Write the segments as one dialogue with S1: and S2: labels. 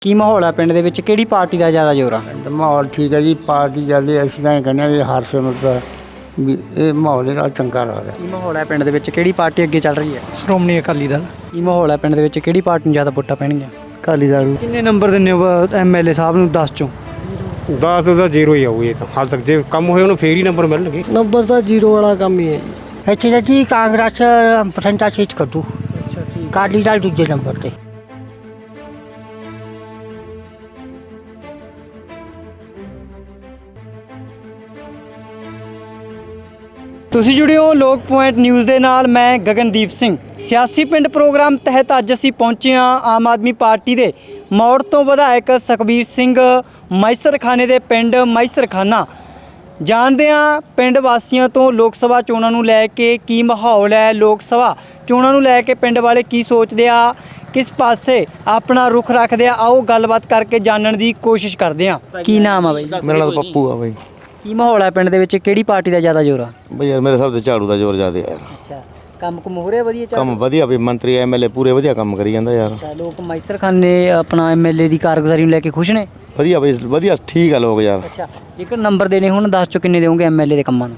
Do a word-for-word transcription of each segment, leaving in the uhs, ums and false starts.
S1: ਕੀ ਮਾਹੌਲ ਹੈ ਪਿੰਡ ਦੇ ਵਿੱਚ, ਕਿਹੜੀ ਪਾਰਟੀ ਦਾ ਜ਼ਿਆਦਾ ਜ਼ੋਰ ਆ?
S2: ਮਾਹੌਲ ਠੀਕ ਹੈ ਜੀ, ਪਾਰਟੀ ਚੱਲਦੀ। ਅਸੀਂ ਤਾਂ ਇਹ ਕਹਿੰਦੇ ਹਾਂ ਵੀ ਹਰਸਿਮਰਤ ਦਾ ਵੀ ਇਹ ਮਾਹੌਲ ਇਹਦਾ ਚੰਗਾ ਲੱਗ ਰਿਹਾ।
S1: ਕੀ ਮਾਹੌਲ ਹੈ ਪਿੰਡ ਦੇ ਵਿੱਚ, ਕਿਹੜੀ ਪਾਰਟੀ ਅੱਗੇ ਚੱਲ ਰਹੀ ਹੈ?
S3: ਸ਼੍ਰੋਮਣੀ ਅਕਾਲੀ ਦਲ।
S1: ਕੀ ਮਾਹੌਲ ਹੈ ਪਿੰਡ ਦੇ ਵਿੱਚ, ਕਿਹੜੀ ਪਾਰਟੀ ਨੂੰ ਜ਼ਿਆਦਾ ਵੋਟਾਂ ਪੈਣਗੀਆਂ?
S3: ਅਕਾਲੀ ਦਲ।
S1: ਕਿੰਨੇ ਨੰਬਰ ਦਿੰਦੇ ਹੋ ਐਮਐਲਏ ਸਾਹਿਬ ਨੂੰ ਦਸ ਚੋਂ?
S4: ਦਸ ਦਾ ਜ਼ੀਰੋ ਹੀ ਆਊ ਇਹ ਤਾਂ ਹਾਲ ਤੱਕ। ਜੇ ਕੰਮ ਹੋਏ ਉਹਨੂੰ ਫੇਰ ਹੀ ਨੰਬਰ ਮਿਲਣਗੇ।
S3: ਨੰਬਰ ਤਾਂ ਜ਼ੀਰੋ ਵਾਲਾ ਕੰਮ ਹੀ ਹੈ ਜੀ।
S2: ਇੱਥੇ ਤਾਂ ਜੀ ਕਾਂਗਰਸ ਪਰਸੈਂਟੇਜ ਕੱਢੂ, ਅਕਾਲੀ ਦਲ ਦੂਜੇ ਨੰਬਰ 'ਤੇ।
S1: ਤੁਸੀਂ ਜੁੜੇ ਹੋ ਲੋਕ ਪੁਆਇੰਟ ਨਿਊਜ਼ ਦੇ ਨਾਲ। ਮੈਂ ਗਗਨਦੀਪ ਸਿੰਘ। ਸਿਆਸੀ ਪਿੰਡ ਪ੍ਰੋਗਰਾਮ ਤਹਿਤ ਅੱਜ ਅਸੀਂ ਪਹੁੰਚੇ ਹਾਂ ਆਮ ਆਦਮੀ ਪਾਰਟੀ ਦੇ ਮੌੜ ਤੋਂ ਵਿਧਾਇਕ ਸੁਖਬੀਰ ਸਿੰਘ ਮੈਸਰਖਾਨੇ ਦੇ ਪਿੰਡ ਮੈਸਰਖਾਨਾ। ਜਾਣਦੇ ਹਾਂ ਪਿੰਡ ਵਾਸੀਆਂ ਤੋਂ ਲੋਕ ਸਭਾ ਚੋਣਾਂ ਨੂੰ ਲੈ ਕੇ ਕੀ ਮਾਹੌਲ ਹੈ, ਲੋਕ ਸਭਾ ਚੋਣਾਂ ਨੂੰ ਲੈ ਕੇ ਪਿੰਡ ਵਾਲੇ ਕੀ ਸੋਚਦੇ ਆ, ਕਿਸ ਪਾਸੇ ਆਪਣਾ ਰੁਖ ਰੱਖਦੇ ਆ। ਆਓ ਗੱਲਬਾਤ ਕਰਕੇ ਜਾਣਨ ਦੀ ਕੋਸ਼ਿਸ਼ ਕਰਦੇ ਹਾਂ। ਕੀ ਨਾਮ ਆ ਬਾਈ?
S5: ਮੇਰਾ ਨਾਮ ਪੱਪੂ ਆ ਬਾਈ।
S1: ਕੀ ਮਾਹੌਲ ਹੈ ਪਿੰਡ ਦੇ ਵਿੱਚ, ਕਿਹੜੀ ਪਾਰਟੀ ਦਾ ਜ਼ਿਆਦਾ ਜ਼ੋਰ ਆ?
S5: ਬਈ ਯਾਰ ਮੇਰੇ ਹਿਸਾਬ ਤੇ ਝਾੜੂ ਦਾ ਜ਼ੋਰ ਜ਼ਿਆਦਾ ਯਾਰ।
S1: ਅੱਛਾ, ਕੰਮ ਕੁਮ ਹੋ ਰਿਹਾ ਵਧੀਆ?
S5: ਕੰਮ ਵਧੀਆ ਵੀ ਮੰਤਰੀ ਐਮਐਲਏ ਪੂਰੇ ਵਧੀਆ ਕੰਮ ਕਰੀ ਜਾਂਦਾ ਯਾਰ।
S1: ਅੱਛਾ, ਲੋਕ ਮੈਸਰਖਾਨੇ ਆਪਣਾ ਐਮਐਲਏ ਦੀ ਕਾਰਗੁਜ਼ਾਰੀ ਨੂੰ ਲੈ ਕੇ ਖੁਸ਼ ਨੇ?
S5: ਵਧੀਆ ਬਈ ਵਧੀਆ ਠੀਕ ਆ ਲੋਕ ਯਾਰ।
S1: ਅੱਛਾ, ਜੇਕਰ ਨੰਬਰ ਦੇਣੇ ਹੁਣ ਦਸ ਚੋਂ ਕਿੰਨੇ ਦੇਵੋਗੇ ਐਮਐਲਏ ਦੇ ਕੰਮਾਂ ਨੂੰ?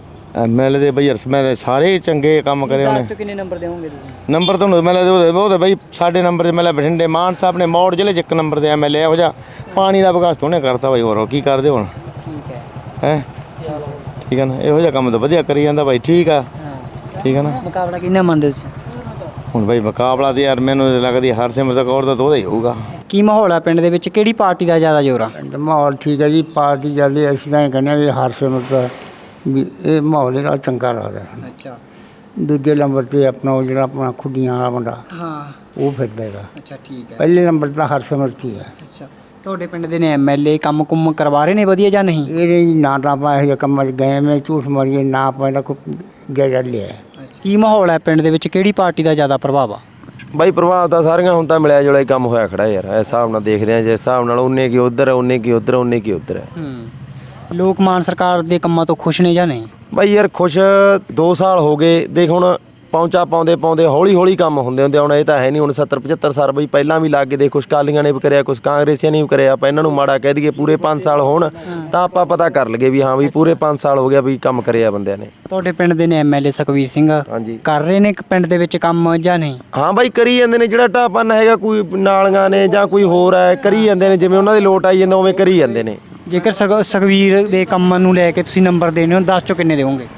S5: ਐਮਐਲਏ ਦੇ ਬਈ ਯਾਰ ਮੈਂ ਸਾਰੇ ਚੰਗੇ ਕੰਮ ਕਰੇ ਉਹਨੇ।
S1: ਦਸ ਚੋਂ ਕਿੰਨੇ ਨੰਬਰ ਦੇਵੋਗੇ ਤੁਸੀਂ?
S5: ਨੰਬਰ ਤੁਹਾਨੂੰ ਮੈਂ ਉਹ ਤੇ ਬਈ ਸਾਡੇ ਨੰਬਰ ਤੇ ਮੈਂ ਬਠਿੰਡੇ ਮਾਨ ਸਾਹਿਬ ਨੇ ਮੌੜ ਜ਼ਿਲ੍ਹੇ 'ਚ ਇੱਕ ਨੰਬਰ ਦੇ ਐਮਐਲਏ ਇਹੋ ਜਿਹਾ ਪਾਣੀ ਦਾ ਵਿਕਾਸ ਉਹਨੇ ਕਰਤਾ ਬਈ। ਹੋਰ ਕੀ ਕਰਦੇ ਹੁਣ?
S1: ਠੀਕ ਹੈ
S5: ਹੈ ਠੀਕ ਹੈ ਨਾ, ਇਹੋ ਜਿਹਾ ਕੰਮ ਤਾਂ ਵਧੀਆ ਕਰੀ ਜਾਂਦਾ ਬਾਈ। ਠੀਕ ਆ, ਠੀਕ ਹੈ ਨਾ।
S1: ਮੁਕਾਬਲਾ ਕਿੰਨਾ ਮੰਨਦੇ ਸੀ
S5: ਹੁਣ ਬਾਈ ਮੁਕਾਬਲਾ ਤੇ ਯਾਰ ਮੈਨੂੰ ਲੱਗਦੀ ਹਰਸਿਮਰਤ ਕੌਰ ਦਾ ਤਾਂ ਉਹਦਾ ਹੀ ਹੋਊਗਾ।
S1: ਕੀ ਮਾਹੌਲ ਹੈ ਪਿੰਡ ਦੇ ਵਿੱਚ, ਕਿਹੜੀ ਪਾਰਟੀ ਦਾ ਜ਼ਿਆਦਾ ਜ਼ੋਰ ਆ?
S2: ਮਾਹੌਲ ਠੀਕ ਹੈ ਜੀ, ਪਾਰਟੀ ਚੱਲਦੀ। ਅਸੀਂ ਤਾਂ ਇਹ ਕਹਿੰਦੇ ਹਾਂ ਵੀ ਹਰਸਿਮਰਤ ਦਾ ਵੀ ਇਹ ਮਾਹੌਲ ਇਹਦਾ ਚੰਗਾ ਲੱਗ ਰਿਹਾ।
S1: ਅੱਛਾ,
S2: ਦੂਜੇ ਨੰਬਰ 'ਤੇ ਆਪਣਾ ਉਹ ਜਿਹੜਾ ਆਪਣਾ ਖੁੱਡੀਆਂ ਵਾਲਾ ਮੁੰਡਾ
S1: ਹਾਂ
S2: ਉਹ ਫਿਰਦਾ ਹੈਗਾ।
S1: ਅੱਛਾ ਠੀਕ ਹੈ।
S2: ਪਹਿਲੇ ਨੰਬਰ ਤਾਂ ਹਰਸਿਮਰਤ ਹੀ ਹੈ।
S1: ਅੱਛਾ, ਤੁਹਾਡੇ ਪਿੰਡ ਦੇ ਨੇ ਐਮਐਲਏ ਕੰਮ ਕੁੰਮ ਕਰਵਾ ਰਹੇ ਨੇ ਵਧੀਆ ਜਾਂ ਨਹੀਂ?
S2: ਇਹ ਨਹੀਂ ਨਾ ਤਾਂ ਆਪਾਂ ਇਹੋ ਜਿਹੇ ਕੰਮਾਂ 'ਚ ਗਏ, ਮੈਂ ਝੂਠ ਮਾਰੀਏ ਨਾ ਆਪਾਂ ਇਹਦਾ ਕੋਈ ਜਾਇਜ਼ਾ ਲਿਆ।
S1: ਕੀ ਮਾਹੌਲ ਹੈ ਪਿੰਡ ਦੇ ਵਿੱਚ, ਕਿਹੜੀ ਪਾਰਟੀ ਦਾ ਜ਼ਿਆਦਾ ਪ੍ਰਭਾਵ ਆ?
S6: ਬਾਈ ਪ੍ਰਭਾਵ ਤਾਂ ਸਾਰੀਆਂ ਹੁਣ ਤਾਂ ਮਿਲਿਆ ਜੁਲਿਆ ਹੀ ਕੰਮ ਹੋਇਆ ਖੜਾ ਯਾਰ। ਇਸ ਹਿਸਾਬ ਨਾਲ ਦੇਖਦੇ ਆ, ਜੇ ਹਿਸਾਬ ਨਾਲ ਉਹਨੇ ਕੀ ਉੱਧਰ ਹੈ, ਉਹਨੇ ਕੀ ਉੱਧਰ, ਉਹਨੇ ਕੀ ਉੱਧਰ ਹੈ।
S1: ਹੂੰ, ਲੋਕ ਮਾਨ ਸਰਕਾਰ ਦੇ ਕੰਮਾਂ ਤੋਂ ਖੁਸ਼ ਨੇ ਜਾਂ ਨਹੀਂ?
S6: ਬਾਈ ਯਾਰ ਖੁਸ਼ ਦੋ ਸਾਲ ਹੋ ਗਏ ਦੇਖ। ਹੁਣ ਪਹੁੰਚਾ ਪਾਉਂਦੇ ਪਾਉਂਦੇ ਹੌਲੀ ਹੌਲੀ ਕੰਮ ਹੁੰਦੇ ਹੁੰਦੇ ਹੁਣ ਇਹ ਤਾਂ ਹੈ ਨਹੀਂ। ਹੁਣ ਸੱਤਰ ਪਝੱਤਰ ਸਾਲ ਬਈ ਪਹਿਲਾਂ ਵੀ ਲੱਗ ਗਏ ਦੇ, ਕੁਛ ਕਾਲੀਆਂ ਨੇ ਵੀ ਕਰਿਆ, ਕੁਛ ਕਾਂਗਰਸੀਆਂ ਨੇ ਵੀ ਕਰਿਆ। ਆਪਾਂ ਇਹਨਾਂ ਨੂੰ ਮਾੜਾ ਕਹਿ ਦਈਏ ਪੂਰੇ ਪੰਜ ਸਾਲ ਹੋਣ ਤਾਂ ਆਪਾਂ ਪਤਾ ਕਰ ਲਈਏ ਵੀ ਹਾਂ ਵੀ ਪੂਰੇ ਪੰਜ ਸਾਲ ਹੋ ਗਿਆ ਵੀ ਕੰਮ ਕਰਿਆ ਬੰਦਿਆਂ ਨੇ।
S1: ਤੁਹਾਡੇ ਪਿੰਡ ਦੇ ਨੇ ਐਮਐਲਏ ਸੁਖਬੀਰ ਸਿੰਘ
S6: ਹਾਂਜੀ
S1: ਕਰ ਰਹੇ ਨੇ ਪਿੰਡ ਦੇ ਵਿੱਚ ਕੰਮ ਜਾਂ ਨਹੀਂ?
S6: ਹਾਂ ਬਾਈ ਕਰੀ ਜਾਂਦੇ ਨੇ। ਜਿਹੜਾ ਢਾਪਨ ਹੈਗਾ ਕੋਈ ਨਾਲੀਆਂ ਨੇ ਜਾਂ ਕੋਈ ਹੋਰ ਹੈ ਕਰੀ ਜਾਂਦੇ ਨੇ, ਜਿਵੇਂ ਉਹਨਾਂ ਦੇ ਲੋਟ ਆਈ ਜਾਂਦਾ ਉਵੇਂ ਕਰੀ ਜਾਂਦੇ ਨੇ।
S1: ਜੇਕਰ ਸੁਖ- ਸੁਖਬੀਰ ਦੇ ਕੰਮਾਂ ਨੂੰ ਲੈ ਕੇ ਤੁਸੀਂ ਨੰਬਰ ਦੇਣੇ ਹੋ ਦਸ ਚੋਂ ਕਿੰਨੇ ਦੇਵੋਗੇ?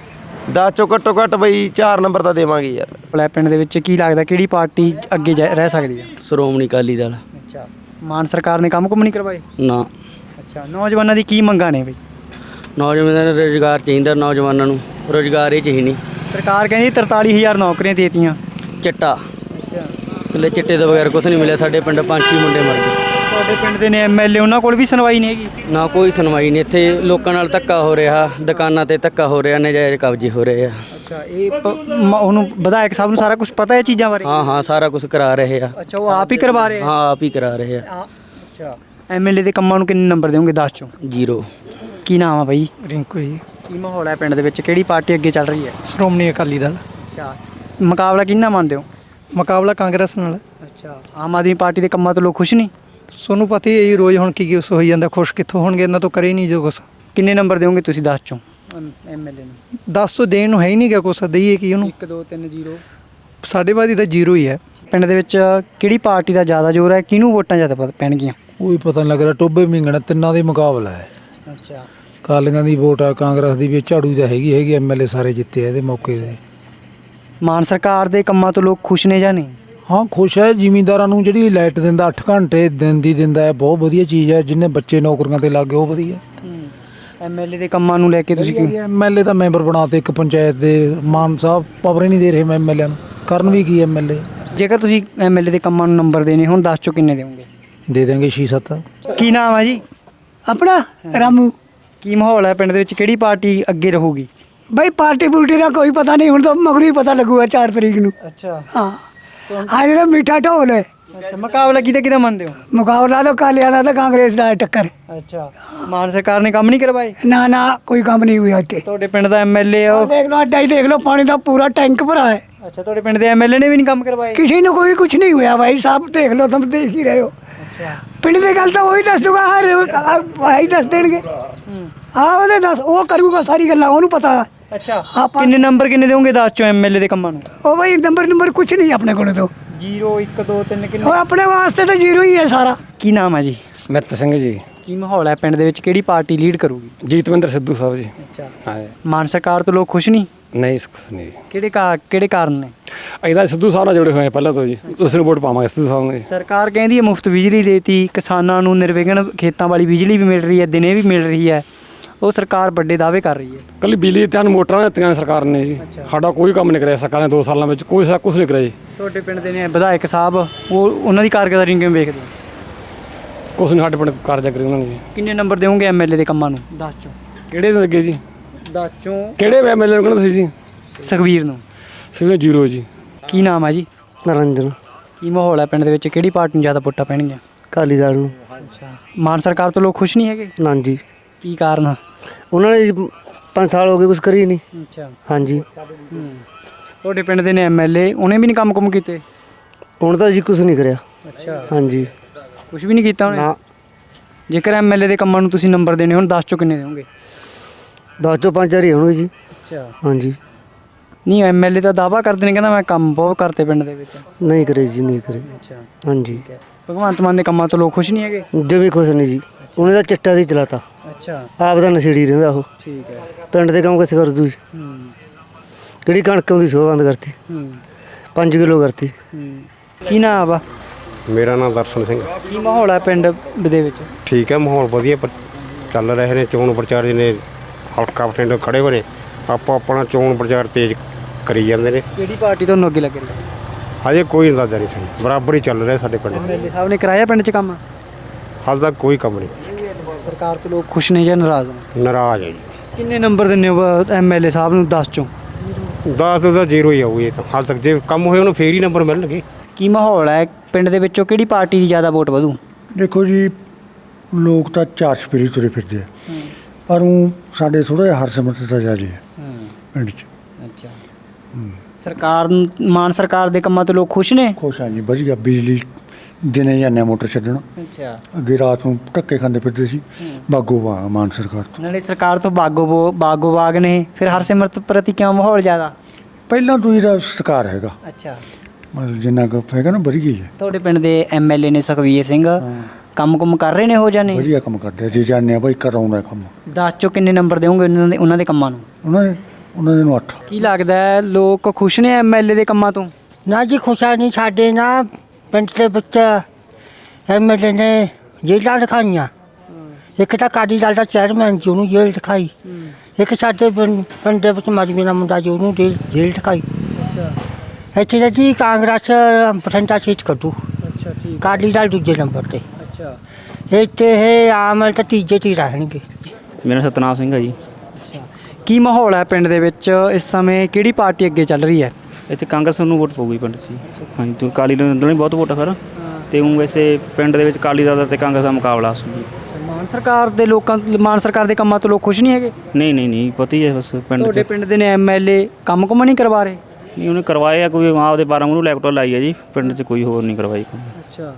S6: ਦਸ ਚੋਂ ਘੱਟੋ ਘੱਟ ਬਈ ਚਾਰ ਨੰਬਰ ਤਾਂ ਦੇਵਾਂਗੇ ਯਾਰ।
S1: ਭਲਾ ਪਿੰਡ ਦੇ ਵਿੱਚ ਕੀ ਲੱਗਦਾ ਕਿਹੜੀ ਪਾਰਟੀ ਅੱਗੇ ਜਾ- ਰਹਿ ਸਕਦੀ ਹੈ?
S7: ਸ਼੍ਰੋਮਣੀ ਅਕਾਲੀ ਦਲ।
S1: ਅੱਛਾ, ਮਾਨ ਸਰਕਾਰ ਨੇ ਕੰਮ ਕੁਮ ਨਹੀਂ ਕਰਵਾਏ?
S7: ਨਾ,
S1: ਅੱਛਾ, ਨੌਜਵਾਨਾਂ ਦੀ ਕੀ ਮੰਗਾਂ ਨੇ ਬਈ?
S7: ਨੌਜਵਾਨਾਂ ਨੂੰ ਰੁਜ਼ਗਾਰ ਚਾਹੀਦਾ। ਨੌਜਵਾਨਾਂ ਨੂੰ ਰੁਜ਼ਗਾਰ ਹੀ ਚਾਹੀਦਾ।
S1: ਸਰਕਾਰ ਕਹਿੰਦੀ ਤਰਤਾਲੀ ਹਜ਼ਾਰ ਨੌਕਰੀਆਂ ਦੇਤੀਆਂ।
S7: ਚਿੱਟਾ
S1: ਅੱਛਾ,
S7: ਇਕੱਲੇ ਚਿੱਟੇ ਤੋਂ ਬਗੈਰ ਕੁਛ ਨਹੀਂ ਮਿਲਿਆ। ਸਾਡੇ ਪਿੰਡ ਪੰਜ ਛੇ ਮੁੰਡੇ ਮਰ ਗਏ।
S1: ਤੁਹਾਡੇ ਪਿੰਡ ਦੇ ਨੇ ਐਮਐਲਏ, ਉਹਨਾਂ ਕੋਲ ਵੀ ਸੁਣਵਾਈ ਨਹੀਂ ਹੈਗੀ?
S7: ਨਾ ਕੋਈ ਸੁਣਵਾਈ ਨਹੀਂ। ਇੱਥੇ ਲੋਕਾਂ ਨਾਲ ਧੱਕਾ ਹੋ ਰਿਹਾ, ਦੁਕਾਨਾਂ ਤੇ ਧੱਕਾ ਹੋ ਰਿਹਾ, ਨਜਾਇਜ਼ ਕਬਜ਼ੇ ਹੋ ਰਹੇ ਆ।
S1: ਅੱਛਾ, ਇਹ ਪ- ਮ- ਉਹਨੂੰ ਵਿਧਾਇਕ ਸਾਹਿਬ ਨੂੰ ਸਾਰਾ ਕੁਝ ਪਤਾ ਹੈ ਚੀਜ਼ਾਂ ਬਾਰੇ?
S7: ਹਾਂ ਹਾਂ ਸਾਰਾ ਕੁਝ ਕਰਾ ਰਹੇ ਆ।
S1: ਅੱਛਾ, ਉਹ ਆਪ ਹੀ ਕਰਵਾ ਰਹੇ ਆ?
S7: ਹਾਂ ਆਪ ਹੀ ਕਰਾ ਰਹੇ ਆ।
S1: ਆ- ਅੱਛਾ, ਐਮਐਲਏ ਦੇ ਕੰਮਾਂ ਨੂੰ ਕਿੰਨੇ ਨੰਬਰ ਦੇਵੋਗੇ ਦਸ ਚੋਂ?
S7: ਜ਼ੀਰੋ।
S1: ਕੀ ਨਾਮ ਆ ਬਾਈ?
S3: ਰਿੰਕੂ ਜੀ।
S1: ਕੀ ਮਾਹੌਲ ਹੈ ਪਿੰਡ ਦੇ ਵਿੱਚ, ਕਿਹੜੀ ਪਾਰਟੀ ਅੱਗੇ ਚੱਲ ਰਹੀ ਹੈ?
S3: ਸ਼੍ਰੋਮਣੀ ਅਕਾਲੀ ਦਲ।
S1: ਅੱਛਾ, ਮੁਕਾਬਲਾ ਕਿਹਨਾਂ ਮੰਨਦੇ ਹੋ?
S3: ਮੁਕਾਬਲਾ ਕਾਂਗਰਸ ਨਾਲ।
S1: ਅੱਛਾ, ਆਮ ਆਦਮੀ ਪਾਰਟੀ ਦੇ ਕੰਮਾਂ ਤੋਂ ਲੋਕ ਖੁਸ਼ ਨਹੀਂ?
S3: ਤੁਹਾਨੂੰ ਪਤਾ ਹੀ ਹੈ ਜੀ ਰੋਜ਼ ਹੁਣ ਕੀ ਕੀ ਉਸ ਹੋਈ ਜਾਂਦਾ। ਖੁਸ਼ ਕਿੱਥੋਂ ਹੋਣਗੇ, ਇਹਨਾਂ ਤੋਂ ਕਰੇ ਨਹੀਂ ਜੋ ਕੁਛ।
S1: ਕਿੰਨੇ ਨੰਬਰ ਦਿਓਗੇ ਤੁਸੀਂ ਦਸ ਚੋਂ ਐਮਐਲਏ ਨੂੰ?
S3: ਦਸ ਤੋਂ ਦੇਣ ਨੂੰ ਹੈ ਹੀ ਨਹੀਂ ਗਿਆ ਕੁਛ, ਦਈਏ ਕੀ ਉਹਨੂੰ?
S1: ਇੱਕ ਦੋ ਤਿੰਨ ਜ਼ੀਰੋ।
S3: ਸਾਡੇ ਬਾਦੀ ਤਾਂ ਜ਼ੀਰੋ ਹੀ ਹੈ।
S1: ਪਿੰਡ ਦੇ ਵਿੱਚ ਕਿਹੜੀ ਪਾਰਟੀ ਦਾ ਜ਼ਿਆਦਾ ਜ਼ੋਰ ਹੈ, ਕਿਹਨੂੰ ਵੋਟਾਂ ਜ਼ਿਆਦਾ ਪ- ਪੈਣਗੀਆਂ?
S8: ਕੋਈ ਪਤਾ ਨਹੀਂ ਲੱਗ ਰਿਹਾ। ਟੋਬੇ ਮਿੰਗਣਾ ਤਿੰਨਾਂ ਦੇ ਮੁਕਾਬਲਾ ਹੈ।
S1: ਅੱਛਾ,
S8: ਕਾਲੀਆਂ ਦੀ ਵੋਟ ਆ, ਕਾਂਗਰਸ ਦੀ ਵੀ, ਝਾੜੂ ਦਾ ਹੈਗੀ ਹੈਗੀ। ਐਮਐਲਏ ਸਾਰੇ ਜਿੱਤੇ ਆ ਇਹਦੇ ਮੌਕੇ ਤੇ।
S1: ਮਾਨ ਸਰਕਾਰ ਦੇ ਕੰਮਾਂ ਤੋਂ ਲੋਕ ਖੁਸ਼ ਨੇ ਜਾਂ ਨਹੀਂ?
S8: ਹਾਂ ਖੁਸ਼ ਹੈ। ਜ਼ਿਮੀਂਦਾਰਾਂ ਨੂੰ ਜਿਹੜੀ ਲਾਈਟ ਦਿੰਦਾ ਅੱਠ ਘੰਟੇ ਦਿਨ ਦੀ ਦਿੰਦਾ ਹੈ, ਬਹੁਤ ਵਧੀਆ ਚੀਜ਼ ਹੈ। ਜਿੰਨੇ ਬੱਚੇ ਨੌਕਰੀਆਂ ਤੇ ਲੱਗ ਗਏ ਉਹ ਵਧੀਆ।
S1: ਐਮਐਲਏ ਦੇ ਕੰਮਾਂ ਨੂੰ ਲੈ ਕੇ ਤੁਸੀਂ ਕੀ?
S8: ਐਮਐਲਏ ਦਾ ਮੈਂਬਰ ਬਣਾਤੇ ਇੱਕ ਪੰਚਾਇਤ ਦੇ। ਮਾਨ ਸਾਹਿਬ ਪਾਵਰ ਹੀ ਨਹੀਂ ਦੇ ਰਹੇ ਐਮਐਲਏ ਨੂੰ, ਕਰਨ ਵੀ ਕੀ ਐਮਐਲਏ।
S1: ਜੇਕਰ ਤੁਸੀਂ ਐਮਐਲਏ ਦੇ ਕੰਮਾਂ ਨੂੰ ਨੰਬਰ ਦੇਣੇ ਹੁਣ ਦਸ ਚੋਂ ਕਿੰਨੇ ਦੇਵੋਗੇ?
S8: ਦੇ ਦੇਂਗੇ ਛੇ ਸੱਤ।
S1: ਕੀ ਨਾਮ ਹੈ ਜੀ
S3: ਆਪਣਾ ਰਾਮੂ।
S1: ਕੀ ਮਾਹੌਲ ਹੈ ਪਿੰਡ ਦੇ ਵਿੱਚ, ਕਿਹੜੀ ਪਾਰਟੀ ਅੱਗੇ ਰਹੂਗੀ?
S3: ਬਈ ਪਾਰਟੀ ਪੂਰਟੀ ਦਾ ਕੋਈ ਪਤਾ ਨਹੀਂ, ਹੁਣ ਤਾਂ ਮਗਰੋਂ ਹੀ ਪਤਾ ਲੱਗੂਗਾ ਚਾਰ ਤਰੀਕ ਨੂੰ।
S1: ਅੱਛਾ
S3: ਹਾਂ, ਅੱਜ ਦਾ ਮਿੱਠਾ ਢੋਲ ਹੈ।
S1: ਅੱਛਾ, ਮੁਕਾਬਲਾ ਕਿਹਦਾ ਕਿਹਦਾ ਮੰਨਦੇ ਹੋ?
S3: ਮੁਕਾਬਲਾ ਤਾਂ ਕਾਲੀਆਂ ਦਾ ਤਾਂ ਕਾਂਗਰਸ ਦਾ ਹੈ ਟੱਕਰ।
S1: ਅੱਛਾ, ਮਾਨ ਸਰਕਾਰ ਨੇ ਕੰਮ ਨਹੀਂ ਕਰਵਾਏ?
S3: ਨਾ ਨਾ ਕੋਈ ਕੰਮ ਨਹੀਂ ਹੋਇਆ ਇੱਥੇ।
S1: ਤੁਹਾਡੇ ਪਿੰਡ ਦਾ ਐਮਐਲਏ ਉਹ?
S3: ਦੇਖ ਲਓ ਅੱਡਾ ਹੀ ਦੇਖ ਲਓ, ਪਾਣੀ ਦਾ ਪੂਰਾ ਟੈਂਕ ਭਰਾ ਹੈ।
S1: ਅੱਛਾ, ਤੁਹਾਡੇ ਪਿੰਡ ਦੇ ਐਮਐਲਏ ਨੇ ਵੀ ਨਹੀਂ ਕੰਮ ਕਰਵਾਏ?
S3: ਕਿਸੇ ਨੂੰ ਕੋਈ ਕੁਝ ਨਹੀਂ ਹੋਇਆ ਭਾਈ ਸਾਹਿਬ, ਦੇਖ ਲਓ, ਤੁਮ ਦੇਖ ਹੀ ਰਹੇ ਹੋ।
S9: ਪਿੰਡ ਦੀ ਗੱਲ ਤਾਂ ਉਹੀ ਦੱਸੂਗਾ, ਹਰ ਭਾਈ ਦੱਸ ਦੇਣਗੇ। ਹਾਂ ਉਹਦੇ ਦੱਸ, ਉਹ ਕਰੂਗਾ ਸਾਰੀ ਗੱਲਾਂ, ਉਹਨੂੰ ਪਤਾ।
S1: ਅੱਛਾ, ਕਿੰਨੇ ਨੰਬਰ ਕਿੰਨੇ ਦੇਵੋਗੇ ਦਸ ਚੋਂ ਐਮਐਲਏ ਦੇ ਕੰਮਾਂ ਨੂੰ?
S9: ਉਹ ਭਾਈ ਨੰਬਰ ਨੰਬਰ ਕੁਛ ਨਹੀਂ ਆਪਣੇ ਕੋਲ ਤੋਂ।
S1: ਜ਼ੀਰੋ ਇੱਕ ਦੋ ਤਿੰਨ ਕਿੰਨੇ?
S9: ਉਹ ਆਪਣੇ ਵਾਸਤੇ ਤਾਂ ਜ਼ੀਰੋ ਹੀ ਹੈ ਸਾਰਾ।
S1: ਕੀ ਨਾਮ ਹੈ ਜੀ?
S10: ਮਿੱਤ ਸਿੰਘ ਜੀ।
S1: ਕੀ ਮਾਹੌਲ ਹੈ ਪਿੰਡ ਦੇ ਵਿੱਚ, ਕਿਹੜੀ ਪਾਰਟੀ ਲੀਡ ਕਰੂਗੀ?
S10: ਜੀਤਵਿੰਦਰ ਸਿੱਧੂ ਸਾਹਿਬ ਜੀ।
S1: ਅੱਛਾ,
S10: ਹਾਂ।
S1: ਮਾਨ ਸਰਕਾਰ ਤੋਂ ਲੋਕ ਖੁਸ਼ ਨਹੀਂ?
S10: ਨਹੀਂ ਕੁਛ ਨਹੀਂ।
S1: ਕਿਹੜੇ ਕਾ ਕਿਹੜੇ ਕਾਰਨ ਨੇ?
S10: ਇਹਦਾ ਸਿੱਧੂ ਸਾਹਿਬ ਨਾਲ ਜੁੜੇ ਹੋਏ ਪਹਿਲਾਂ ਤੋਂ ਜੀ, ਦੂਸਰੇ ਵੋਟ ਪਾਵਾਂਗੇ ਸਿੱਧੂ ਸਾਹਿਬ ਨੂੰ।
S1: ਸਰਕਾਰ ਕਹਿੰਦੀ ਹੈ ਮੁਫਤ ਬਿਜਲੀ ਦੇਤੀ, ਕਿਸਾਨਾਂ ਨੂੰ ਨਿਰਵਿਘਨ ਖੇਤਾਂ ਵਾਲੀ ਬਿਜਲੀ ਵੀ ਮਿਲ ਰਹੀ ਹੈ, ਦਿਨੇ ਵੀ ਮਿਲ ਰਹੀ ਹੈ। ਉਹ ਸਰਕਾਰ ਵੱਡੇ ਦਾਅਵੇ ਕਰ ਰਹੀ ਹੈ।
S10: ਕੱਲੀ ਬਿਜਲੀ ਤੇ ਮੋਟਰਾਂ ਦਿੱਤੀਆਂ ਸਰਕਾਰ ਨੇ ਜੀ, ਸਾਡਾ ਕੋਈ ਕੰਮ ਨਹੀਂ ਕਰਿਆ ਸਰਕਾਰ ਨੇ ਦੋ ਸਾਲਾਂ ਵਿੱਚ, ਕੋਈ ਸਾ ਕੁਛ ਨਹੀਂ ਕਰਿਆ ਜੀ।
S1: ਤੁਹਾਡੇ ਪਿੰਡ ਦੇ ਨੇ ਵਿਧਾਇਕ ਸਾਹਿਬ, ਉਹ ਉਹਨਾਂ ਦੀ ਕਾਰਗੁਜ਼ਾਰੀ ਕਿਵੇਂ ਵੇਖਦੇ ਹੋ?
S10: ਕੁਛ ਨਹੀਂ ਸਾਡੇ ਪਿੰਡ ਕਾਰਜ ਕਰੀ ਉਹਨਾਂ ਨੇ ਜੀ।
S1: ਕਿੰਨੇ ਨੰਬਰ ਦੇਵੋਗੇ ਐਮਐਲਏ ਦੇ ਕੰਮਾਂ ਨੂੰ ਦਸ ਚੋਂ?
S10: ਕਿਹੜੇ ਦੇ ਲੱਗੇ ਜੀ?
S1: ਦਸ ਚੋਂ
S10: ਕਿਹੜੇ ਐਮਐਲਏ ਨੂੰ ਕਹਿੰਦੇ ਤੁਸੀਂ ਜੀ?
S1: ਸੁਖਬੀਰ ਨੂੰ।
S10: ਸਿਵੇਂ ਜ਼ੀਰੋ ਜੀ।
S1: ਕੀ ਨਾਮ ਹੈ ਜੀ?
S2: ਨਰਿੰਦਰ।
S1: ਕੀ ਮਾਹੌਲ ਹੈ ਪਿੰਡ ਦੇ ਵਿੱਚ, ਕਿਹੜੀ ਪਾਰਟੀ ਨੂੰ ਜ਼ਿਆਦਾ ਵੋਟਾਂ ਪੈਣਗੀਆਂ?
S2: ਅਕਾਲੀ ਦਲ ਨੂੰ।
S1: ਅੱਛਾ, ਮਾਨ ਸਰਕਾਰ ਤੋਂ ਲੋਕ ਖੁਸ਼ ਨਹੀਂ ਹੈਗੇ?
S2: ਨਾ ਜੀ।
S1: ਕੀ ਕਾਰਨ?
S2: ਉਹਨਾਂ ਨੇ ਪੰਜ ਸਾਲ ਹੋ ਗਏ ਕੁਛ ਕਰੀ ਨਹੀਂ।
S1: ਅੱਛਾ,
S2: ਹਾਂਜੀ।
S1: ਤੁਹਾਡੇ ਪਿੰਡ ਦੇ ਨੇ ਐਮਐਲਏ, ਉਹਨੇ ਵੀ ਨਹੀਂ ਕੰਮ ਕੁਮ ਕੀਤੇ?
S2: ਹੁਣ ਤਾਂ ਜੀ ਕੁਛ ਨਹੀਂ ਕਰਿਆ।
S1: ਅੱਛਾ,
S2: ਹਾਂਜੀ।
S1: ਕੁਝ ਵੀ ਨਹੀਂ ਕੀਤਾ ਉਹਨੇ?
S2: ਨਾ।
S1: ਜੇਕਰ ਐਮਐਲਏ ਦੇ ਕੰਮਾਂ ਨੂੰ ਤੁਸੀਂ ਨੰਬਰ ਦੇਣੇ ਹੁਣ ਦਸ ਚੋਂ ਕਿੰਨੇ ਦੇਵੋਗੇ?
S2: ਦਸ ਚੋਂ ਪੰਜ ਹਜ਼ਾਰ ਹੀ ਹੋਣਗੇ ਜੀ।
S1: ਅੱਛਾ।
S2: ਹਾਂਜੀ।
S1: ਨਹੀਂ, ਐਮਐਲਏ ਤਾਂ ਦਾਅਵਾ ਕਰਦੇ ਨੇ, ਕਹਿੰਦਾ ਮੈਂ ਕੰਮ ਬਹੁਤ ਕਰਤੇ ਪਿੰਡ ਦੇ ਵਿੱਚ।
S2: ਨਹੀਂ ਕਰੇ ਜੀ, ਨਹੀਂ ਕਰੇ।
S1: ਅੱਛਾ,
S2: ਹਾਂਜੀ।
S1: ਭਗਵੰਤ ਮਾਨ ਦੇ ਕੰਮਾਂ ਤੋਂ ਲੋਕ ਖੁਸ਼ ਨਹੀਂ ਹੈਗੇ?
S2: ਜਮੀ ਖੁਸ਼ ਨਹੀਂ ਜੀ, ਉਹਨੇ ਤਾਂ ਚਿੱਟਾ ਦੀ ਚਲਾਤਾ।
S1: ਅੱਛਾ,
S2: ਆਪ ਦਾ ਨਸ਼ੇੜੀ ਰਹਿੰਦਾ ਉਹ।
S1: ਠੀਕ ਹੈ।
S2: ਪਿੰਡ ਦੇ ਕੰਮ ਕਿੱਥੇ ਕਰ ਦੂ ਜੀ?
S1: ਹੂੰ
S2: ਕਿਹੜੀ ਕਣਕ ਆਉਂਦੀ ਸੋ ਬੰਦ ਕਰਤੀ,
S1: ਹੂੰ
S2: ਪੰਜ ਕਿਲੋ ਕਰਤੀ।
S1: ਹੂੰ। ਕੀ ਨਾਮ ਆ?
S4: ਮੇਰਾ ਨਾਮ ਦਰਸ਼ਨ ਸਿੰਘ।
S1: ਕੀ ਮਾਹੌਲ ਹੈ ਪਿੰਡ ਦੇ ਵਿੱਚ?
S4: ਠੀਕ ਹੈ, ਮਾਹੌਲ ਵਧੀਆ ਪਰ ਚੱਲ ਰਹੇ ਨੇ। ਚੋਣ ਪ੍ਰਚਾਰ ਨੇ ਹਲਕਾ ਬਠਿੰਡੇ ਖੜੇ ਹੋਏ ਨੇ, ਆਪੋ ਆਪਣਾ ਚੋਣ ਪ੍ਰਚਾਰ ਤੇਜ਼ ਕਰੀ ਜਾਂਦੇ ਨੇ।
S1: ਕਿਹੜੀ ਪਾਰਟੀ ਤੁਹਾਨੂੰ ਅੱਗੇ ਲੱਗ ਰਹੀ ਹੈ?
S4: ਹਜੇ ਕੋਈ ਅੰਦਾਜ਼ਾ ਨਹੀਂ ਸਾਨੂੰ, ਬਰਾਬਰ ਹੀ ਚੱਲ ਰਿਹਾ ਸਾਡੇ ਪਿੰਡ।
S1: ਐਮਐਲਏ ਸਾਹਿਬ ਨੇ ਕਰਾਇਆ ਪਿੰਡ 'ਚ ਕੰਮ?
S4: ਹਾਲ ਤੱਕ ਕੋਈ ਕੰਮ ਨਹੀਂ।
S1: ਸਰਕਾਰ ਤੋਂ ਲੋਕ ਖੁਸ਼ ਨੇ ਜਾਂ ਨਾਰਾਜ਼ ਨੇ?
S4: ਨਾਰਾਜ਼ ਹੈ ਜੀ।
S1: ਕਿੰਨੇ ਨੰਬਰ ਦਿੰਦੇ ਹੋ ਐਮਐਲਏ ਸਾਹਿਬ ਨੂੰ ਦਸ ਚੋਂ?
S4: ਦਸ ਦਾ ਜ਼ੀਰੋ ਹੀ ਆਊ ਇਹ ਤਾਂ, ਹਾਲ ਤੱਕ ਜੇ ਕੰਮ ਹੋਏ ਉਹਨੂੰ ਫੇਰ ਹੀ ਨੰਬਰ ਮਿਲਣਗੇ।
S1: ਕੀ ਮਾਹੌਲ ਹੈ ਪਿੰਡ ਦੇ ਵਿੱਚੋਂ, ਕਿਹੜੀ ਪਾਰਟੀ ਦੀ ਜ਼ਿਆਦਾ ਵੋਟ ਵਧੂ?
S11: ਦੇਖੋ ਜੀ, ਲੋਕ ਤਾਂ ਚਾਰ ਚੁਫੇਰੇ ਤੁਰੇ ਫਿਰਦੇ ਆ, ਪਰ ਉਹ ਸਾਡੇ ਥੋੜ੍ਹਾ ਜਿਹਾ ਹਰਸਿਮਰਤ ਤਾਂ ਜ਼ਿਆਦਾ ਹੈ ਪਿੰਡ 'ਚ।
S1: ਅੱਛਾ, ਸਰਕਾਰ ਨੂੰ- ਮਾਨ ਸਰਕਾਰ ਦੇ ਕੰਮਾਂ ਤੋਂ ਲੋਕ ਖੁਸ਼ ਨੇ?
S11: ਖੁਸ਼ ਹਾਂ ਜੀ, ਵਧੀਆ। ਬਿਜਲੀ ਦਿਨੇ ਜਾਂਦੇ ਮੋਟਰ ਛੱਡਣ,
S1: ਅੱਛਾ।
S11: ਅੱਗੇ ਰਾਤ ਨੂੰ ਧੱਕੇ ਖਾਂਦੇ ਫਿਰਦੇ ਸੀ। ਬਾਗੋ ਬਾਗ ਮਾਨ ਸਰਕਾਰ ਤੋਂ।
S1: ਨਾਲੇ ਸਰਕਾਰ ਤੋਂ ਬਾਗੋ ਬਾਗੋ ਬਾਗ ਨੇ, ਫਿਰ ਹਰਸਿਮਰਤ ਪ੍ਰਤੀ ਕਿਉਂ ਮਾਹੌਲ ਜ਼ਿਆਦਾ?
S11: ਪਹਿਲਾਂ ਤੋਂ ਇਹਦਾ ਸਰਕਾਰ ਹੈਗਾ,
S1: ਅੱਛਾ।
S11: ਮਤਲਬ ਜਿੰਨਾ ਕੁ ਹੈਗਾ ਨਾ ਵਧੀਆ ਹੀ ਹੈ।
S1: ਤੁਹਾਡੇ ਪਿੰਡ ਦੇ ਐਮਐਲਏ ਨੇ ਸੁਖਬੀਰ ਸਿੰਘ, ਕੰਮ ਕੁਮ ਕਰ ਰਹੇ ਨੇ ਹੋ ਜਾਂ ਨਹੀਂ?
S11: ਵਧੀਆ ਕੰਮ ਕਰਦੇ ਆ ਜੀ, ਜਾਂਦੇ ਆ ਭਾਈ ਕਰਾਉਂਦਾ ਕੰਮ।
S1: ਦਸ ਚੋਂ ਕਿੰਨੇ ਨੰਬਰ ਦੇਵੋਗੇ ਉਹਨਾਂ ਦੇ ਉਹਨਾਂ ਦੇ ਕੰਮਾਂ ਨੂੰ?
S11: ਉਹਨਾਂ ਨੇ ਉਹਨਾਂ ਦੇ ਨੂੰ ਅੱਠ।
S1: ਕੀ ਲੱਗਦਾ ਹੈ ਲੋਕ ਖੁਸ਼ ਨੇ ਐਮਐਲਏ ਦੇ ਕੰਮਾਂ ਤੋਂ?
S9: ਨਾ ਜੀ ਖੁਸ਼ਾ ਨਹੀਂ, ਸਾਡੇ ਨਾ ਪਿੰਡ ਦੇ ਵਿੱਚ ਐਮਐਲਏ ਨੇ ਜੇਲ੍ਹਾਂ ਦਿਖਾਈਆਂ। ਇੱਕ ਤਾਂ ਅਕਾਲੀ ਦਲ ਦਾ ਚੇਅਰਮੈਨ ਜੀ, ਉਹਨੂੰ ਜੇਲ੍ਹ ਦਿਖਾਈ। ਇੱਕ ਸਾਡੇ ਪਿੰਡ ਪਿੰਡ ਦੇ ਵਿੱਚ ਮਜਮੀ ਦਾ ਮੁੰਡਾ ਜੀ, ਉਹਨੂੰ ਜੇਲ੍ਹ ਜੇਲ੍ਹ ਦਿਖਾਈ।
S1: ਅੱਛਾ
S9: ਇੱਥੇ ਤਾਂ ਜੀ ਕਾਂਗਰਸ ਬਠਿੰਡਾ ਸੀਟ ਕੱਢੂ,
S1: ਅੱਛਾ, ਠੀਕ।
S9: ਅਕਾਲੀ ਦਲ ਦੂਜੇ ਨੰਬਰ 'ਤੇ।
S1: ਅੱਛਾ,
S9: ਇੱਥੇ ਇਹ ਆਮ ਤਾਂ ਤੀਜੇ 'ਤੇ ਹੀ ਰਹਿਣਗੇ।
S7: ਮੇਰਾ ਸਤਨਾਮ ਸਿੰਘ ਹੈ ਜੀ।
S1: ਅੱਛਾ। ਕੀ ਮਾਹੌਲ ਹੈ ਪਿੰਡ ਦੇ ਵਿੱਚ ਇਸ ਸਮੇਂ, ਕਿਹੜੀ ਪਾਰਟੀ ਅੱਗੇ ਚੱਲ ਰਹੀ ਹੈ?
S7: ਇੱਥੇ ਕਾਂਗਰਸ ਨੂੰ ਵੋਟ ਪਊਗੀ ਪਿੰਡ 'ਚ ਜੀ। ਹਾਂਜੀ, ਤੂੰ ਅਕਾਲੀ ਦਲ ਨੂੰ ਬਹੁਤ ਵੋਟ ਆ ਫਿਰ, ਤੇ ਉਹ ਵੈਸੇ ਪਿੰਡ ਦੇ ਵਿੱਚ ਅਕਾਲੀ ਦਲ ਦਾ ਤੇ ਕਾਂਗਰਸ ਦਾ ਮੁਕਾਬਲਾ ਸੀ ਜੀ।
S1: ਮਾਨ ਸਰਕਾਰ ਦੇ ਲੋਕਾਂ ਮਾਨ ਸਰਕਾਰ ਦੇ ਕੰਮਾਂ ਤੋਂ ਲੋਕ ਖੁਸ਼ ਨਹੀਂ ਹੈਗੇ?
S7: ਨਹੀਂ ਨਹੀਂ ਨਹੀਂ ਪਤਾ ਹੀ ਹੈ ਬਸ ਪਿੰਡ
S1: ਤੁਹਾਡੇ
S7: 'ਚ।
S1: ਪਿੰਡ ਦੇ ਨੇ ਐਮਐਲਏ ਕੰਮ ਕੁਮ ਨਹੀਂ ਕਰਵਾ ਰਹੇ?
S7: ਨਹੀਂ, ਉਹਨੇ ਕਰਵਾਏ ਆ, ਕੋਈ ਆਪਦੇ ਬਾਰਾਂ ਨੂੰ ਲੈਪਟਾਪ ਲਾਈ ਹੈ ਜੀ, ਪਿੰਡ 'ਚ ਕੋਈ ਹੋਰ ਨਹੀਂ ਕਰਵਾਈ ਕੰਮ।
S1: ਅੱਛਾ।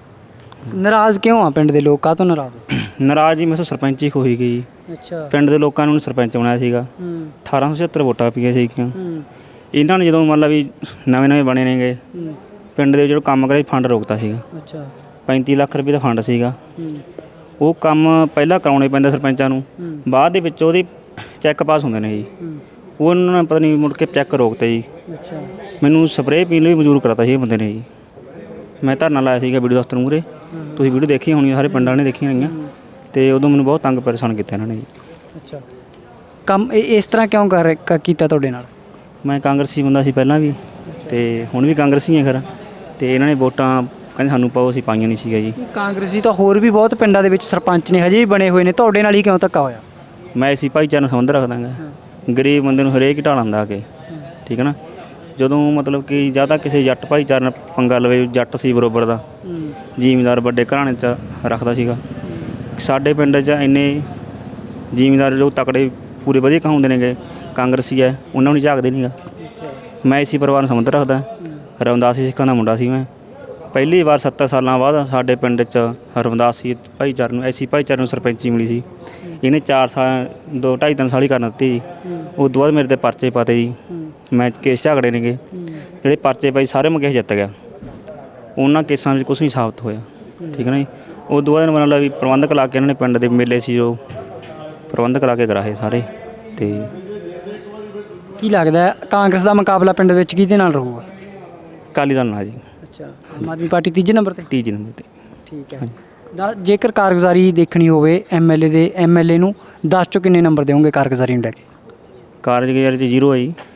S1: ਨਾਰਾਜ਼ ਕਿਉਂ ਆ ਪਿੰਡ ਦੇ ਲੋਕ, ਕਾਹ ਤੋਂ ਨਾਰਾਜ਼?
S7: ਨਾਰਾਜ਼ ਜੀ ਮੈਂ ਸਰਪੰਚ ਹੀ ਖੋਈ ਗਈ।
S1: ਅੱਛਾ।
S7: ਪਿੰਡ ਦੇ ਲੋਕਾਂ ਨੂੰ ਸਰਪੰਚ ਬਣਾਇਆ ਸੀਗਾ।
S1: ਹੂੰ
S7: ਅਠਾਰਾਂ ਸੌ ਛਿਹੱਤਰ ਵੋਟਾਂ ਪਈਆਂ ਸੀਗੀਆਂ।
S1: ਹੂੰ
S7: ਇਹਨਾਂ ਨੇ ਜਦੋਂ ਮੰਨ ਲਾ ਵੀ ਨਵੇਂ ਨਵੇਂ ਬਣੇ ਨੇਗੇ,
S1: ਹੂੰ।
S7: ਪਿੰਡ ਦੇ ਜਿਹੜਾ ਕੰਮ ਕਰਿਆ ਫੰਡ ਰੋਕਤਾ ਸੀਗਾ।
S1: ਅੱਛਾ।
S7: ਪੈਂਤੀ ਲੱਖ ਰੁਪਏ ਦਾ ਫੰਡ ਸੀਗਾ।
S1: ਹੂੰ
S7: ਉਹ ਕੰਮ ਪਹਿਲਾਂ ਕਰਾਉਣੇ ਪੈਂਦਾ ਸਰਪੰਚਾਂ ਨੂੰ,
S1: ਹੂੰ।
S7: ਬਾਅਦ ਦੇ ਵਿੱਚ ਉਹਦੇ ਚੈੱਕ ਪਾਸ ਹੁੰਦੇ ਨੇ ਜੀ।
S1: ਹੂੰ
S7: ਉਹ ਉਹਨਾਂ ਨੇ ਪਤਾ ਨਹੀਂ ਮੁੜ ਕੇ ਚੈੱਕ ਰੋਕਤੇ ਜੀ।
S1: ਅੱਛਾ।
S7: ਮੈਨੂੰ ਸਪਰੇਅ ਪੀਣ ਲਈ ਮਜਬੂਰ ਕਰਾਤਾ ਸੀ ਇਹ ਬੰਦੇ ਨੇ ਜੀ। ਮੈਂ ਧਰਨਾ ਲਾਇਆ ਸੀਗਾ ਵੀਡੀਓ ਦਫ਼ਤਰ ਮੂਹਰੇ, ਤੁਸੀਂ ਵੀਡੀਓ ਦੇਖੀ ਹੋਣੀ, ਸਾਰੇ ਪਿੰਡਾਂ ਨੇ ਦੇਖੀਆਂ ਹੋਈਆਂ, ਤੇ ਉਦੋਂ ਮੈਨੂੰ ਬਹੁਤ ਤੰਗ ਪਰੇਸ਼ਾਨ ਕੀਤਾ ਇਹਨਾਂ ਨੇ ਜੀ।
S1: ਅੱਛਾ। ਕੰਮ ਇਹ ਇਸ ਤਰ੍ਹਾਂ ਕਿਉਂ ਕਰ ਕ- ਕੀਤਾ ਤੁਹਾਡੇ ਨਾਲ?
S7: ਮੈਂ ਕਾਂਗਰਸੀ ਬੰਦਾ ਸੀ ਪਹਿਲਾਂ ਵੀ, ਤੇ ਹੁਣ ਵੀ ਕਾਂਗਰਸੀ ਹਾਂ ਖਰਾ, ਤੇ ਇਹਨਾਂ ਨੇ ਵੋਟਾਂ ਕਹਿੰਦੇ ਸਾਨੂੰ ਪਾਓ, ਅਸੀਂ ਪਾਈਆਂ ਨਹੀਂ ਸੀਗਾ ਜੀ।
S1: ਕਾਂਗਰਸੀ ਤਾਂ ਹੋਰ ਵੀ ਬਹੁਤ ਪਿੰਡਾਂ ਦੇ ਵਿੱਚ ਸਰਪੰਚ ਨੇ, ਹਜੇ ਵੀ ਬਣੇ ਹੋਏ ਨੇ, ਤੁਹਾਡੇ ਨਾਲ ਹੀ ਕਿਉਂ ਧੱਕਾ ਹੋਇਆ?
S7: ਮੈਂ ਇਸੀ ਭਾਈਚਾਰੇ ਨਾਲ ਸੰਬੰਧ ਰੱਖਦਾ ਗਾ। ਗਰੀਬ ਬੰਦੇ ਨੂੰ ਹਰੇਕ ਢਾਲ ਆਉਂਦਾ ਆ ਕੇ, ਠੀਕ ਹੈ ਨਾ। ਜਦੋਂ ਮਤਲਬ ਕਿ ਜਾਂ ਤਾਂ ਕਿਸੇ ਜੱਟ ਭਾਈਚਾਰੇ ਨਾਲ ਪੰਗਾ ਲਵੇ, ਜੱਟ ਸੀ ਬਰੋਬਰ ਦਾ, ਜ਼ਿਮੀਂਦਾਰ ਵੱਡੇ ਘਰਾਣੇ 'ਚ ਰੱਖਦਾ ਸੀਗਾ। ਸਾਡੇ ਪਿੰਡ 'ਚ ਇੰਨੇ ਜ਼ਿਮੀਂਦਾਰ ਜੋ ਤਕੜੇ ਪੂਰੇ ਵਧੀਆ ਕਹਾਉਂਦੇ ਨੇਗੇ ਕਾਂਗਰਸੀ ਹੈ, ਉਹਨਾਂ ਨੂੰ ਨਹੀਂ ਝਾਕਦੇ ਨਹੀਂ ਗਾ। ਮੈਂ ਇਸੀ ਪਰਿਵਾਰ ਨਾਲ ਸੰਬੰਧ ਰੱਖਦਾ। ਰਮਦਾਸੀ ਸਿੱਖਾਂ ਦਾ ਮੁੰਡਾ ਸੀ ਮੈਂ, ਪਹਿਲੀ ਵਾਰ ਸੱਤਰ ਸਾਲਾਂ ਬਾਅਦ ਸਾਡੇ ਪਿੰਡ 'ਚ ਰਮਦਾਸੀ ਭਾਈਚਾਰੇ ਨੂੰ ਐਸੀ ਭਾਈਚਾਰੇ ਨੂੰ ਸਰਪੰਚੀ ਮਿਲੀ ਸੀ। ਇਹਨੇ ਚਾਰ ਸਾਲ ਦੋ ਢਾਈ ਤਿੰਨ ਸਾਲ ਹੀ ਕਰਨ ਦਿੱਤੀ ਜੀ। ਉਸ ਤੋਂ ਬਾਅਦ ਮੇਰੇ 'ਤੇ ਪਰਚੇ ਪਾਤੇ ਜੀ। ਮੈਂ ਕੇਸ ਝਗੜੇ ਨੇਗੇ ਜਿਹੜੇ ਪਰਚੇ ਪਏ ਸਾਰੇ ਮੈਂ ਕੇਸ ਜਿੱਤ ਗਿਆ। ਉਹਨਾਂ ਕੇਸਾਂ ਵਿੱਚ ਕੁਛ ਨਹੀਂ ਸਾਬਤ ਹੋਇਆ। ਠੀਕ ਹੈ ਨਾ ਜੀ। ਉਸ ਤੋਂ ਬਾਅਦ ਮਤਲਬ ਵੀ ਪ੍ਰਬੰਧਕ ਲਾ ਕੇ ਇਹਨਾਂ ਨੇ ਪਿੰਡ ਦੇ ਮੇਲੇ ਸੀ ਜੋ ਪ੍ਰਬੰਧਕ ਲਾ ਕੇ ਕਰਾਏ ਸਾਰੇ। ਅਤੇ
S1: ਕੀ ਲੱਗਦਾ ਹੈ ਕਾਂਗਰਸ ਦਾ ਮੁਕਾਬਲਾ ਪਿੰਡ ਵਿੱਚ ਕਿਹਦੇ ਨਾਲ ਰਹੂਗਾ?
S7: ਅਕਾਲੀ ਦਲ ਨਾਲ ਜੀ।
S1: ਅੱਛਾ, ਆਮ ਆਦਮੀ ਪਾਰਟੀ ਤੀਜੇ ਨੰਬਰ ਤੇ?
S7: ਤੀਜੇ ਨੰਬਰ 'ਤੇ।
S1: ਠੀਕ ਹੈ। ਦਾ ਜੇਕਰ ਕਾਰਗੁਜ਼ਾਰੀ ਦੇਖਣੀ ਹੋਵੇ ਐਮਐਲਏ ਦੇ ਐਮਐਲਏ ਨੂੰ ਦਸ ਚੋਂ ਕਿੰਨੇ ਨੰਬਰ ਦੇਵੋਗੇ ਕਾਰਗੁਜ਼ਾਰੀ ਨੂੰ ਲੈ ਕੇ?
S7: ਕਾਰਜਕਾਰੀ 'ਚ ਜ਼ੀਰੋ ਹੈ ਜੀ।